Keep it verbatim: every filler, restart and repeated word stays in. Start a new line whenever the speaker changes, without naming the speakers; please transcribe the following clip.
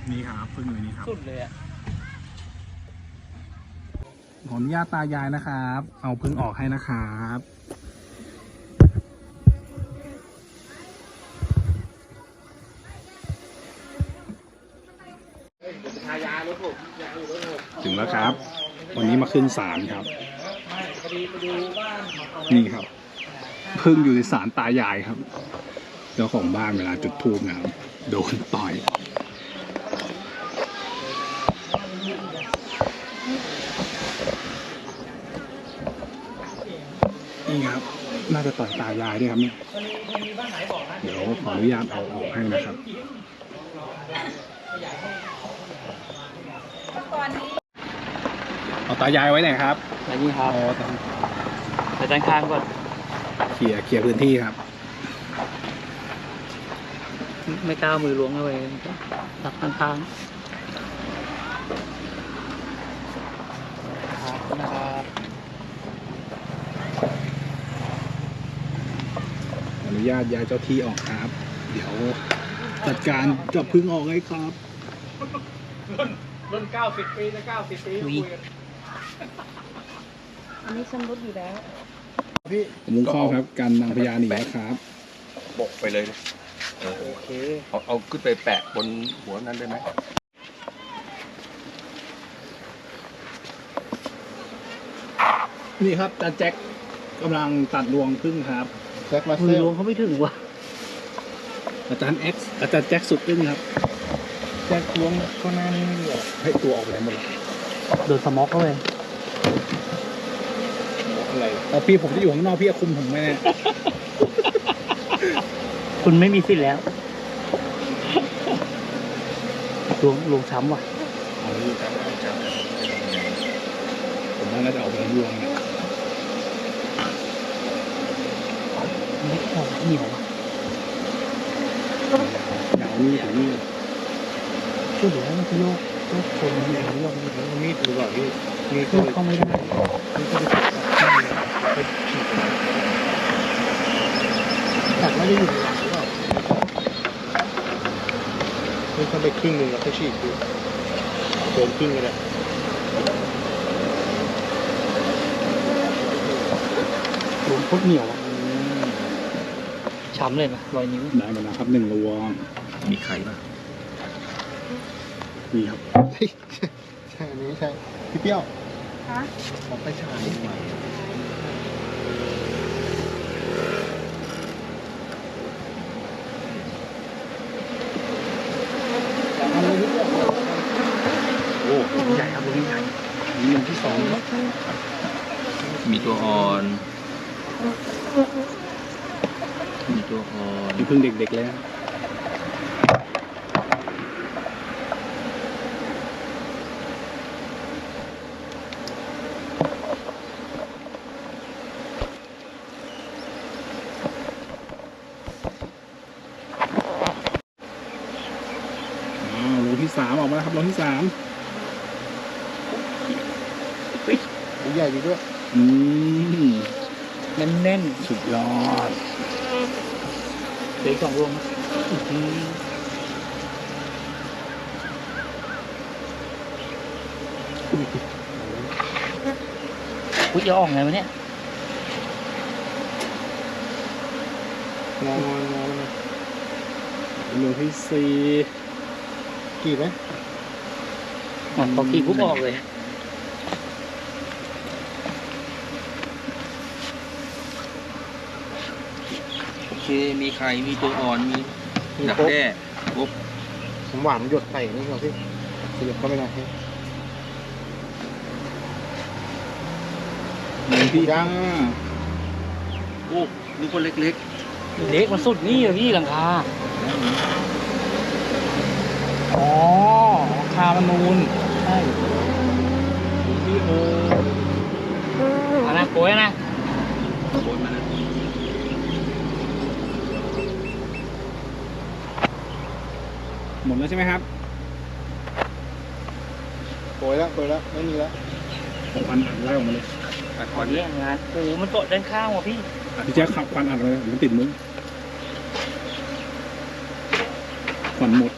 นี่ครับพึ่งอยู่นี่ครับ
สุดเลยอ่ะ
ขออนุญาตตายายนะครับ เอาพึ่งออกให้นะครับถึงแล้วครับ วันนี้มาขึ้นศาลครับนี่ครับพึ่งอยู่ในศาลตายายครับเจ้าของบ้านเวลาจุดธูปนะครับโดนต่อยนี่ครับน่าจะต่อยตายายด้วยครับเนี่ยเดี๋ยวขออนุญาตเอาออกให้นะครับเอาตายายไว้ไหนครับ
อันนี้ครับแต่ด้านข้างก่อน
เคลียร์เคลียร์พื้นที่ครับ
ไม่กล้ามือล้วงเข้าไปตัดข้างๆนะครับ
อนุญาตย้ายเจ้าที่ออกครับเดี๋ยวจัดการจับพึ่งออกให้ครับ
รุ่นรุ่นเก้าสิบปีจะเก้าสิบปีคุยกัน
อันนี้ชำรุดอยู่แล้ว
พี่มุ้งข้อครับการนางพญาหนีครับ
บกไปเลยโอเคเอาเอาขึ้นไปแปะบนหัวนั้นได้ไหม
นี่ครับอาจารย์แจ็คกำลังตัดรวงพึ่งครับ
แจ็คมามือล้วงเขาไม่ถึงว่ะ
อาจารย์เอ็กซ์อาจารย์แจ็คสุดพึ่งครับแจ็คล้วงก็น่านี่ไม่เหลือให้ตัวออกไปหมดเลย
โดนสม็อกเข้าไป
อะไรเอาพี่ผมจะอยู่ข้างนอกพี่คุมผมไหมเนี่ย
คุณไม่มีสิทธิ์แล้วลวงลวงช้ำว่ะ
เอาลูกช้ำช้ำผมว่าน่าจะเอาไปลวงเนี่ย
ไม่พอเหนียวอ่ะ
เหนียวนี่ถึงนี่
ช่วยเหลือมันจะโยกโยกคนมันเหนียวโยกมัน
มีดหรือเปล่าพี่
มีดเข้าไม่ได้ตัดไม่ได้อยู่ในหลังหรือเปล่า
นี่ถ้าไปครึ่งหนึ่งแล้วก็ฉีกดูโดนครึ่งกันเลย
รวมพุทเหนียวช้ำเลยไหมรอยนิ้ว
ได้หมดแล้วครับหนึ่งรวง
มีไข่ป่ะ
มีครับ
ใช่อันนี้ใช่พี่เปี้ยว
ฮะ
ขอไปฉายหน่อย
โอ้ใหญ่ครับลูกใหญ่มีลงที่สอง
มีตัวอ่อนมีตัวอ่อน
มีพึ่งเด็กๆแล้วลงที่สามออกมาแล้วครับลงที่สาม
ใหญ่ดีด้วย
อืม
แน่น
ๆสุดยอด
เหลือสองรวงอุ้ยจะออกไงวะเนี่ย
งองงอลงที่สี่กี่ไหม
อ๋อพอกี่ปุ๊บออกเลย
โอเคมีไข่มีตัวอ่อนมีดักแด้ปุ๊บ
ผมหวานหยดไข่นี่ครับพี่ขยับเข้าไปหน่อยหนึ่งพี่จ้า
โอ้นี่คนเล็ก
เล็กมันสุดนี่เหรอพี่หลังคา
อ๋อคามันนูน
ใช่
พี่โอ
เอานะโกยนะ
โอนมานะ
หมดแล้วใช่ไหมครับโกยแล้วโกยแล้วไม่มีแล้วผมพันอัดไล่ออกมาเลย
อัดค
วั
วัน น
นี้งานโอ้มันเกาะด้านข้างว่ะพี่
พี่แจ๊คขับควันอัดเลยมันติดมุ้งควันหมด